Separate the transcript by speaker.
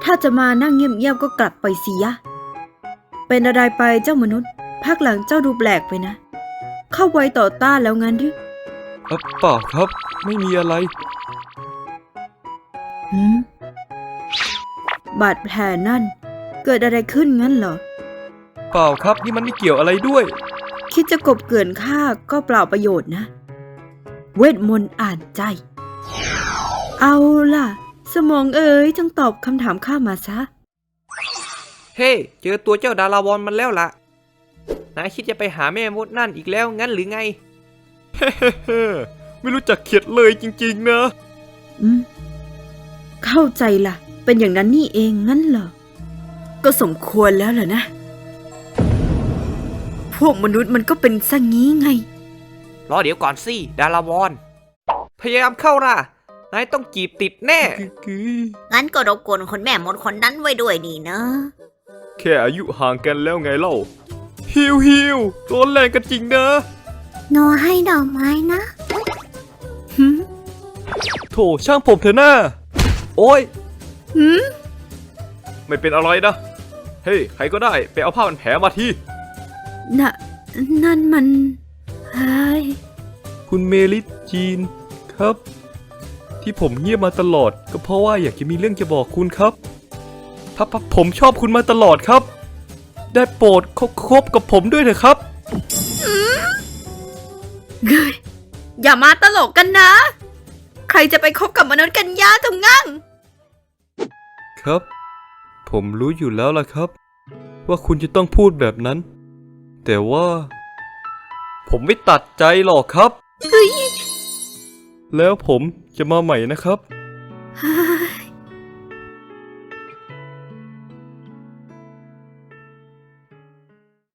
Speaker 1: ถ้าจะมานั่งเงียบๆก็กลับไปสิยะเป็นอะไรไปเจ้ามนุษย์ภาคหลังเจ้าดูแปลกไปนะเข้าไว้ต่อต้านแล้วงั้นหรือ
Speaker 2: เปล่าครับไม่มีอะไร
Speaker 1: บาดแผลนั่นเกิดอะไรขึ้นงั้นเหรอ
Speaker 2: เปล่าครับนี่มันไม่เกี่ยวอะไรด้วย
Speaker 1: คิดจะกบเกลื่อนข้าก็เปล่าประโยชน์นะเวทมนต์อ่านใจเอาล่ะสมองเอ๋ยจงตอบคำถามข้ามาซะ
Speaker 3: เฮ้เจอตัวเจ้าดาราวอนมันแล้วล่ะนายคิดจะไปหาแม่มดนั่นอีกแล้วงั้นหรือไง
Speaker 2: เฮ้ไม่รู้จักเข็ดเลยจริงๆนะ
Speaker 1: เข้าใจล่ะเป็นอย่างนั้นนี่เองงั้นเหรอก็สมควรแล้วเหรอนะพวกมนุษย์มันก็เป็นซะงี้ไง
Speaker 3: รอเดี๋ยวก่อนสิดาราวอนพยายามเข้าล่ะนายต้องจีบติดแน่
Speaker 4: งั้นก็รบกวนคนแม่มดคนนั้นไว้ด้วยนี่นะ
Speaker 2: แค่อายุห่างกันแล้วไงเล่าฮิวร้อนแรงกันจริงนะ
Speaker 4: โนให้ดอกไม้นะ
Speaker 2: โถช่างผมเถอะหน้าโอ้ยไม่เป็นอะไรนะเฮ้ยใครก็ได้ไปเอาผ้าพันแผลมาที
Speaker 1: นั่นมันเฮ้ย
Speaker 2: คุณเมลิจีนครับที่ผมเงียบมาตลอดก็เพราะว่าอยากจะมีเรื่องจะบอกคุณครับผมชอบคุณมาตลอดครับได้โปรดคบกับผมด้วยเถอะครับ
Speaker 1: อย่ามาตลกกันนะใครจะไปคบกับมนุษย์กันยาตรงงั้ง
Speaker 2: ครับผมรู้อยู่แล้วล่ะครับว่าคุณจะต้องพูดแบบนั้นแต่ว่าผมไม่ตัดใจหรอกครับแล้วผมจะมาใหม่นะครับ